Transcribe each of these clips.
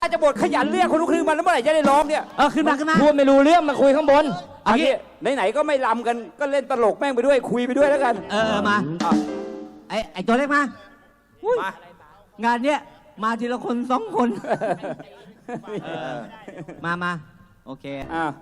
จะบทขยันเรียกคนลูกครึ่งมาแล้วเมื่อไหร่จะได้ร้องเนี่ยขึ้นมาพูดไม่รู้เรื่องมาคุยข้างบนอันนี้ไหนๆก็ไม่ลำกันก็เล่นตลกแม่งไปด้วยคุยไปด้วยแล้วกันมาไอตัวเล็กมา งานเนี้ยมาทีละคน2 คนมาโอเค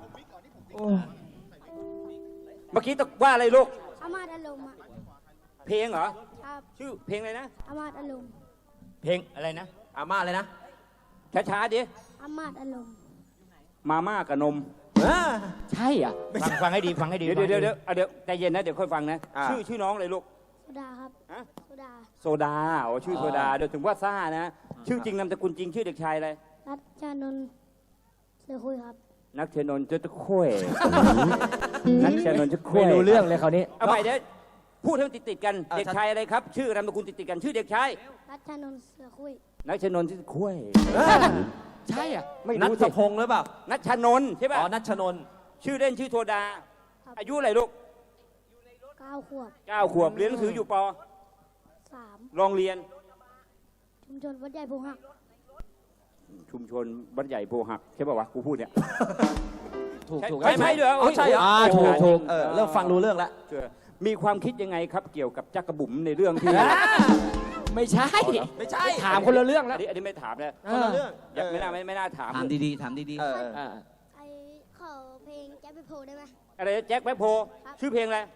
เมื่อกี้ตกว่าอะไรลูกอามาตย์อารมณ์อะเพลงเหรอครับชื่อเพลงอะไรนะอามาตย์อารมณ์เพลงอะไรนะอาม่าเลยนะช้าๆดิอามาตย์อารมณ์มาม่ากับนมใช่อ่ะฟังให้ดีฟังให้ดีเดี๋ยวใจเย็นนะเดี๋ยวค่อยฟังนะชื่อน้องเลยลูกโซดาครับฮะโซดาโซดาโอ้ชื่อโซดาเดี๋ยวถึงว่าซ่านะชื่อจริงนามสกุลจริงชื่อเด็กชายอะไรรัชชานนท์เสือคุยครับนักเชนนท์จะตะคุยนักเชนนท์จะคุยไม่รู้เรื่องเลยคราวนี้เอาใหม่เดี๋ยวพูดให้มันติดๆกันเด็กชายอะไรครับ ชื่อนามสกุลติดๆกันชื่อเด็กชายรัชชานนท์เสือคุยนักเชนนท์ที่คุยใช่อ่ะไม่นัรู้ทสิพงษ์หรือเปล่านัชชานนท์ใช่ป่ะอ๋อนัชชนนท์ชื่อเล่นชื่อโซดา อายุอะไรลูก 9 ขวบ 9 ขวบเรียนหนังสืออยู่ป 3 โรงเรียนชุมชนวัดใหญ่พงหักชุมชนบ้านใหญ่โพหักใช่ป่าวะกูพูดเนี่ยถูกใช่ไหมเดี๋ยวใช่เหรอถูกเริ่มฟังรู้เรื่องแล้วมีความคิดยังไงครับ เกี่ยวกับจักรบุ๋มในเรื่องที่ไม่ใช่ไม่ใช่ถามคนละเรื่องแล้วอันนี้ไม่ถามแล้วคนละเรื่องไม่น่าถามถามดีๆถามดีไอขอเพลงแจ๊บไปโพได้ไหมอะไรแจ็คแบ็คโพครับชื่อเพลงอะไร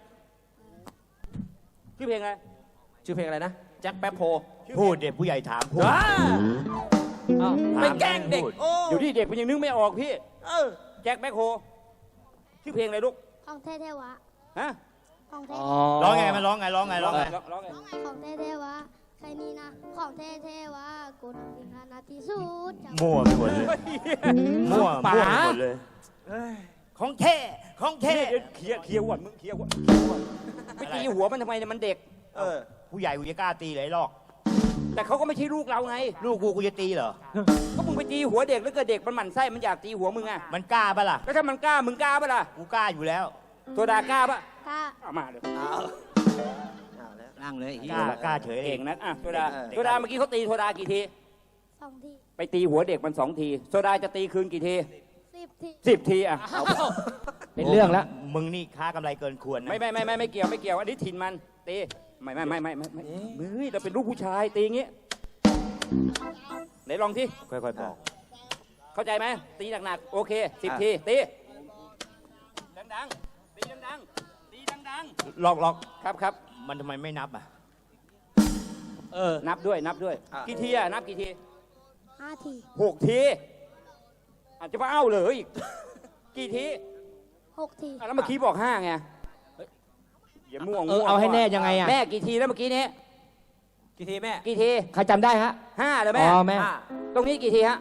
ชื่อเพลงอะไรชื่อเพลงอะไรนะแจ็คแป๊บโพพูดเด็กผู้ใหญ่ถามพูดไปแกล้งเด็กเดี๋ยวที่เด็กมันยังนึกไม่ออกพี่แจ็คแบ็คโพชื่อเพลงอะไรลูกของแท้แท้วะฮะของแท้ร้องไงมันร้องไงร้องไงร้องไงร้องไงของแท้แท้วะใครนี่นะของแท้แท้วะกูทำเองขนาดที่สุดจังมั่วไปหมดเลยมั่วไปหมดเลยของแท้ของแท้เดี๋ยวเคลียร์หัวมึงเคลียร์หัวไม่ตีหัวมันทำไมเนี่ยมันเด็กผู้ใหญ่กูจะกล้าตีเลยหรอกแต่เขาก็ไม่ใช่ลูกเราไงลูกกูจะตีเหรอก็มึงไปตีหัวเด็กแล้วเกิดเด็กมันหมั่นไส้มันอยากตีหัวมึงอะมันกล้าปะล่ะแล้วถ้ามันกล้ามึงกล้าปะล่ะกูกล้าอยู่แล้วโซดากล้าปะกล้าเอามาเลยๆนั่งเลยกล้าเฉยเอเก่งงนะอ่ะโซดาโซดาเมื่อกี้เขาตีโซดากี่ที 2 ทีไปตีหัวเด็กมัน2 ทีโซดาจะตีคืนกี่ที 10 ที 10 ทีอ่ะเป็นเรื่องแล้วมึงนี่ค้ากำไรเกินควรนะไม่เกี่ยวอันนี้ถิ่นมันตีไม่เฮ้ยเราเป็นลูกผู้ชายตีอย่างงี้ไหนลองที่ค่อยๆบอกเข้าใจไหมตีหนักๆโอเค10 ทีตีดังๆตีดังๆตีดังล็อกๆครับมันทำไมไม่นับอ่ะนับด้วยกี่ทีอ่ะนับกี่ที 5 ที 6 ทีอาจจะมาเอ้าเลยอีกกี่ที 6 ทีอ่ะแล้วเมื่อกี้บอก5ไงอย่าม่วงเอาให้แน่ยังไงอ่ะแม่กี่ทีแล้วเมื่อกี้นี้กี่ทีแม่กี่ทีใครจำได้ฮะ 5เลยอ๋แม่อแม่ตรงนี้กี่ทีฮะ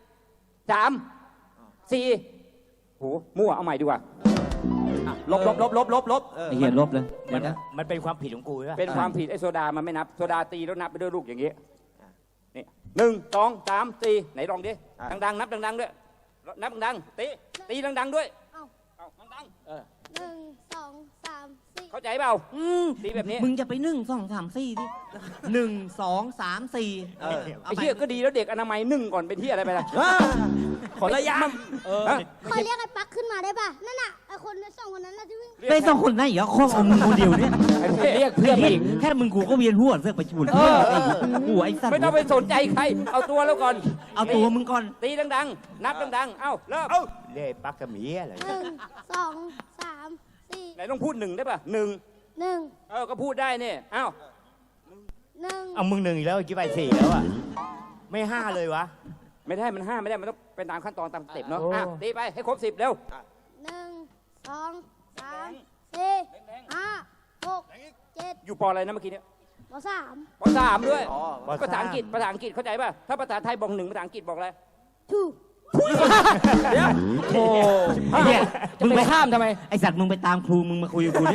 3 4โหมั่วเอาใหม่ดีกว่าลบไอเหี้ยลบเลยมันเป็นความผิดของกูใช่ปะเป็นความผิดไอ้โซดามันไม่นับโซดาตีแล้วนับไปด้วยลูกอย่างงี้นี่1 2 3 4ไหนลองดิดังๆนับดังๆด้วยนับดังๆตีดังๆด้วยเอ้าเอาดัง 1 2 3 ๆ 4 เข้าใจเปล่าตีแบบนี้มึงจะไป1 2 3 4ดิ1 2 3 4 ไอ้เหี้ยก็ดีแล้วเด็กอนามัยนึ่งก่อนเป็นที่อะไรไปล่ะขอระยะฮะขอเรียกไอ้ปักขึ้นมาได้ป่ะ นั่นน่ะไอ้คนใน2 คนนั้นน่ะที่วิ่งไป2 คนไหนเหรอข้องเอามึงคนเดียวเนี่ยเรียกเพื่อนผู้หญิงแค่มึงกูก็เวียนหัวเสือกไปชวนหัวไอ้สัตว์ไม่ต้องไปสนใจใคร เอาตัวแล้วก่อนเอาตัวมึงก่อนตีดังๆ นับดังๆ เอ้าเริ่มเล่ปักกระหมีอะไร 1 2 3 4 ไหนต้องพูด1ได้ป่ะ1 ก็พูดได้เนี่ยเอ้า 1 เอามึง1อีกแล้วกี่ใบ4แล้วอ่ะไม่5เลยวะไม่ได้มัน5ไม่ได้มันต้องเป็นตามขั้นตอนตามสเต็ปเนาะอ่ะตีไปให้ครบ10เร็ว 1 2 3 4 5 6 7 อยู่ปออะไรนะเมื่อกี้เนี่ยป3 ป3ด้วยภาษาอังกฤษเข้าใจป่ะถ้าภาษาไทยบอก1ภาษาอังกฤษบอกอะไร 2 เดี๋ยวโอ้เนี่ยมึงไปข้ามทำไมไอสัตว์มึงไปตามครูมึงมาคุยกับกูดิ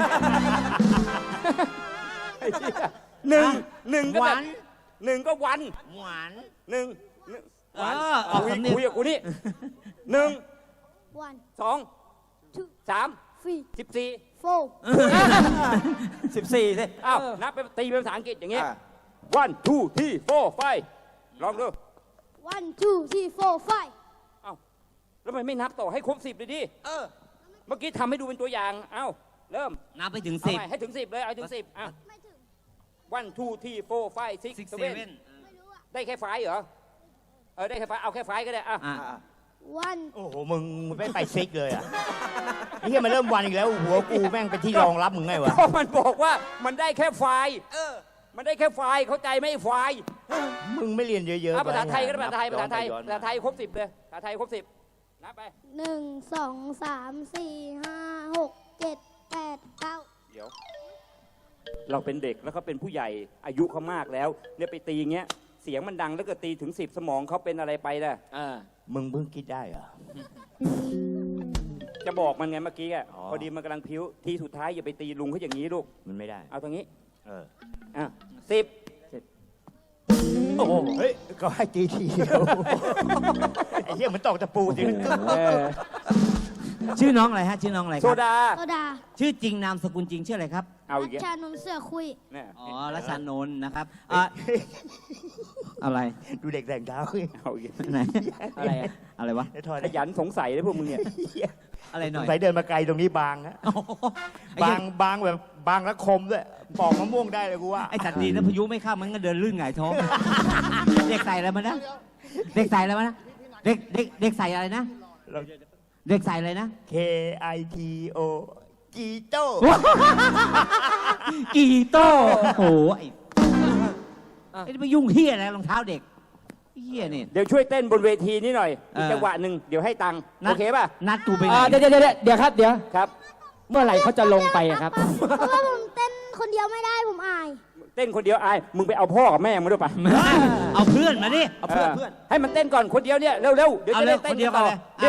1ก็แบบ1ก็วันหวาน 1 ออกสำเนียงคุยกับกูนี่1 1 2 2 3 3 14 4 14สิอ้าวนับไปตีเป็นภาษาอังกฤษอย่างเงี้ย 1 2 3 4 5ลองดู one two three four five เอ้าแล้วทำไมไม่นับต่อให้ครบ10เลยดิเออเมื่อกี้ทำให้ดูเป็นตัวอย่าง เอ้า เริ่มนับไปถึงเอา 10 ใหม่ให้ถึง 10 เลย เอาถึง 10อ่ะไม่ถึง one two three four five six 6 seven 7 ไม่รู้อะได้แค่ไฟล์เหรอ ได้แค่ไฟล์เอาแค่ไฟล์ก็ได้อ่ะอ่ะ one โอ้โห มึงไม่ไปซิกเลยอ่ะไอ้เหี้ยมันเริ่มวันอีกแล้ว หัวกูแม่งเป็นที่รองรับมึงไงวะเพราะมันบอกว่ามันได้แค่ไฟล์เออมันได้แค่ไฟล์เข้าใจไหมไฟล์มึงไม่เรียนเยอะๆเอาภาษาไทยก็ได้ปภาษาไทย ภาษาไทยย้อนภาษาไทยครบ 10 เลย ภาษาไทยครบ 10 นับไปหนึ่งสองสามสี่ห้าหกเจ็ดแปดเก้าเดี๋ยว เราเป็นเด็กแล้วเขาเป็นผู้ใหญ่อายุเขามากแล้ว เนี่ยไปตีอย่างเงี้ย เสียงมันดังแล้วก็ตีถึง 10 สมองเขาเป็นอะไรไปล่ะอ่ามึงเพิ่งคิดได้เหรอจะบอกมันไงเมื่อกี้อ่ะอ๋อพอดีมันกำลังพิ้ว ทีสุดท้ายอย่าไปตีลุงเขาอย่างนี้ลูกมันไม่ได้เอาตรงนี้เอออ่ะ10 โอ้โห เฮ้ย ก็ให้ตีทีเดียว ไอ้เหี้ยมันตอกตะปูจริงชื่อน้องอะไรฮะ ชื่อน้องอะไรคโซรับดาโซดาชื่อจริงนามสกุลจริงชื่ออะไรครับเอารัอีกแล้วชานนท์เสือคุยเนี่ยอ๋อรัชานนท์นะครับอะไรดูเด็กแต่งเท้าขึ้นเอาอีกแล้วไหนอะไรอะอะไรวะไอ้ทอยขยันสงสัยเลยพวกมึงเนี่ยอะไรหน่อยใส่เดินมาไกลตรงนี้บางฮะโอ้โหไอ้บาเหี้งยบางแบบบางและคมด้วยปอกมะม่วงได้เลยกูว่าไอ้สัตว์ดีนะพายุไม่เข้ามันก็เดินลื่นหงายท้อง เด็กใส่อะไรมานะ เด็กใส่อะไรมานะ เด็กใส่อะไรนะเราเด็กใส่อะไรนะ K I T O จีโต้กีโต้โอ้โหไอ้นี่ไปยุ่งเฮียอะไรรองเท้าเด็กเฮียนี่เดี๋ยวช่วยเต้นบนเวทีนี้หน่อยเอออีกจังหวะหนึ่งเดี๋ยวให้ตังค์นัดโอเคป่ะนัดกูไปไหนเดี๋ยวครับ เดี๋ยวครับเมื่อไหร่เขาจะลงไปอะครับเพราะว่าผมเต้นคนเดียวไม่ได้ผมอายเต้นคนเดียวอาย มึงไปเอาพ่อกับแม่มาด้วยป่ะเอาเพื่อนมาดิเอาเพื่อนให้มันเต้นก่อนคนเดียวเนี่ยเร็วๆเดี๋ยวเอาจะเร็ได้วเต้คน นเดียวต่กันอเลย